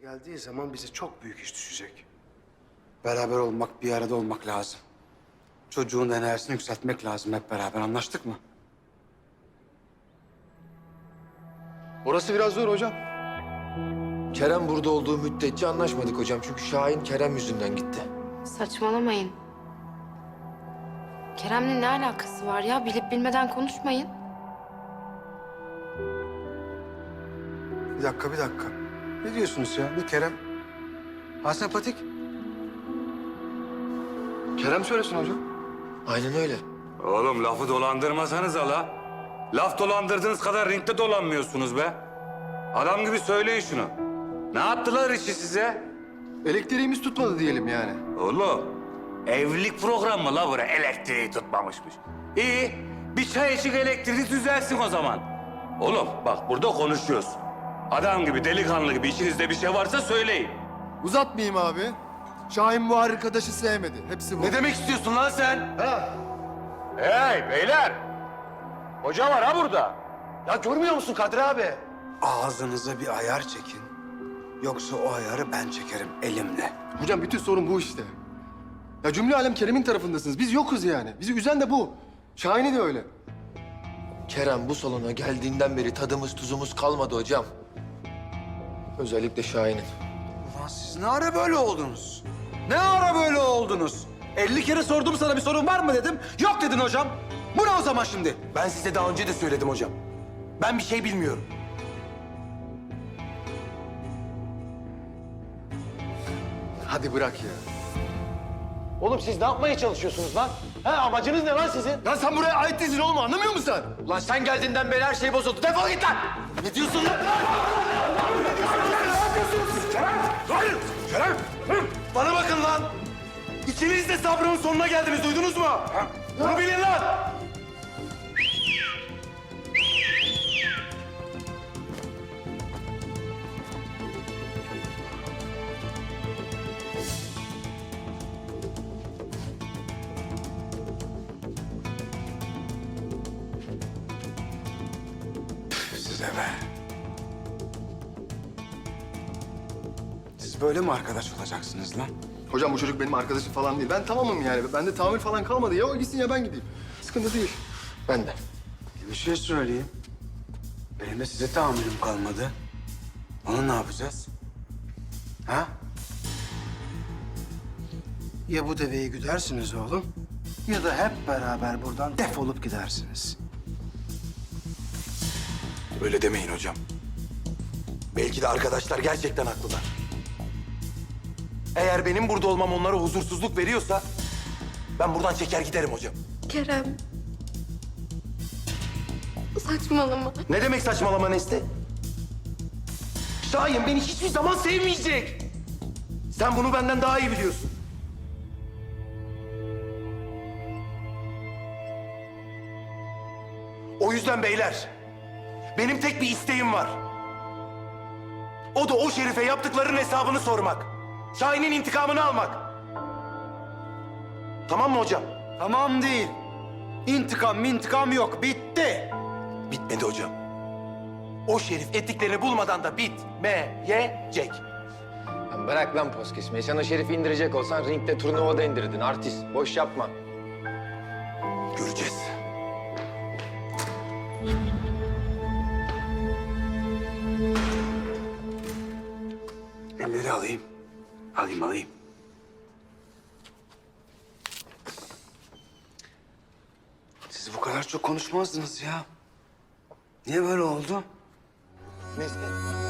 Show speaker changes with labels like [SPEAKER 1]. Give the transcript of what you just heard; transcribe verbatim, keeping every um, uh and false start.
[SPEAKER 1] geldiği zaman bize çok büyük iş düşecek. Beraber olmak, bir arada olmak lazım. Çocuğun enerjisini yükseltmek lazım hep beraber. Anlaştık mı?
[SPEAKER 2] Orası biraz zor hocam. Kerem burada olduğu müddetçe anlaşmadık hocam. Çünkü Şahin Kerem yüzünden gitti.
[SPEAKER 3] Saçmalamayın. Kerem'le ne alakası var ya? Bilip bilmeden konuşmayın.
[SPEAKER 1] Bir dakika, bir dakika. Ne diyorsunuz ya? Bu Kerem... Ha sempatik. Kerem söylesin hocam.
[SPEAKER 2] Aynen öyle.
[SPEAKER 4] Oğlum lafı dolandırmasanız la. Laf dolandırdığınız kadar ringde dolanmıyorsunuz be. Adam gibi söyleyin şunu. Ne yaptılar işi size?
[SPEAKER 5] Elektriğimiz tutmadı diyelim yani.
[SPEAKER 4] Oğlum evlilik programı la buraya elektriği tutmamışmış. İyi bir çay içik elektriği düzelsin o zaman. Oğlum bak burada konuşuyoruz. Adam gibi delikanlı gibi içinizde bir şey varsa söyleyin.
[SPEAKER 5] Uzatmayayım abi. Şahin bu arkadaşı sevmedi. Hepsi bu.
[SPEAKER 4] Ne demek istiyorsun lan sen? Ha? Hey beyler! Hoca var ha burada.
[SPEAKER 5] Ya görmüyor musun Kadri abi?
[SPEAKER 1] Ağzınıza bir ayar çekin. Yoksa o ayarı ben çekerim elimle.
[SPEAKER 5] Hocam bütün sorun bu işte. Ya cümle alem Kerem'in tarafındasınız. Biz yokuz yani. Bizi üzen de bu. Şahin'i de öyle.
[SPEAKER 2] Kerem bu salona geldiğinden beri tadımız tuzumuz kalmadı hocam. Özellikle Şahin'in.
[SPEAKER 1] Ulan siz ne ara böyle oldunuz? Ne ara böyle oldunuz? elli kere sordum sana bir sorun var mı dedim. Yok dedin hocam. Bu ne o zaman şimdi?
[SPEAKER 6] Ben size daha önce de söyledim hocam. Ben bir şey bilmiyorum.
[SPEAKER 5] Hadi bırak ya.
[SPEAKER 6] Oğlum siz ne yapmaya çalışıyorsunuz lan? Ha, amacınız ne lan sizin?
[SPEAKER 5] Lan sen buraya ait değilsin oğlum, anlamıyor musun sen?
[SPEAKER 6] Lan sen geldiğinden beri her şey bozuldu. Defol git lan! Ne diyorsun lan?
[SPEAKER 4] Hayır! Kerem!
[SPEAKER 6] Bana bakın lan! İkiniz de sabrın sonuna geldiniz, duydunuz mu? Bunu bilin lan!
[SPEAKER 1] Size be. Siz böyle mi arkadaş olacaksınız lan?
[SPEAKER 5] Hocam bu çocuk benim arkadaşım falan değil. Ben tamamım yani. Bende tahammül falan kalmadı. Ya o gitsin ya ben gideyim. Sıkıntı değil.
[SPEAKER 2] Ben de.
[SPEAKER 1] Bir şey söyleyeyim. Benim de size tahammülüm kalmadı. Onu ne yapacağız? Ha? Ya bu deveyi güdersiniz oğlum, ya da hep beraber buradan defolup gidersiniz.
[SPEAKER 6] Öyle demeyin hocam. Belki de arkadaşlar gerçekten haklılar. Eğer benim burada olmam onlara huzursuzluk veriyorsa... ...ben buradan çeker giderim hocam.
[SPEAKER 3] Kerem. Saçmalama.
[SPEAKER 6] Ne demek saçmalama Nesli? Şahin beni hiçbir zaman sevmeyecek. Sen bunu benden daha iyi biliyorsun. O yüzden beyler, benim tek bir isteğim var. O da o Şerif'e yaptıklarının hesabını sormak. Şahin'in intikamını almak. Tamam mı hocam?
[SPEAKER 1] Tamam değil. İntikam intikam yok. Bitti.
[SPEAKER 6] Bitmedi hocam. O Şerif ettiklerini bulmadan da bitmeyecek.
[SPEAKER 2] Lan bırak lan poz kesmeyi. Sen o Şerif'i indirecek olsan ringde turnuvada indirdin. Artist. Boş yapma.
[SPEAKER 6] Göreceğiz.
[SPEAKER 1] Elleri alayım. Alayım alayım. Siz bu kadar çok konuşmazdınız ya. Niye böyle oldu?
[SPEAKER 2] Nesli.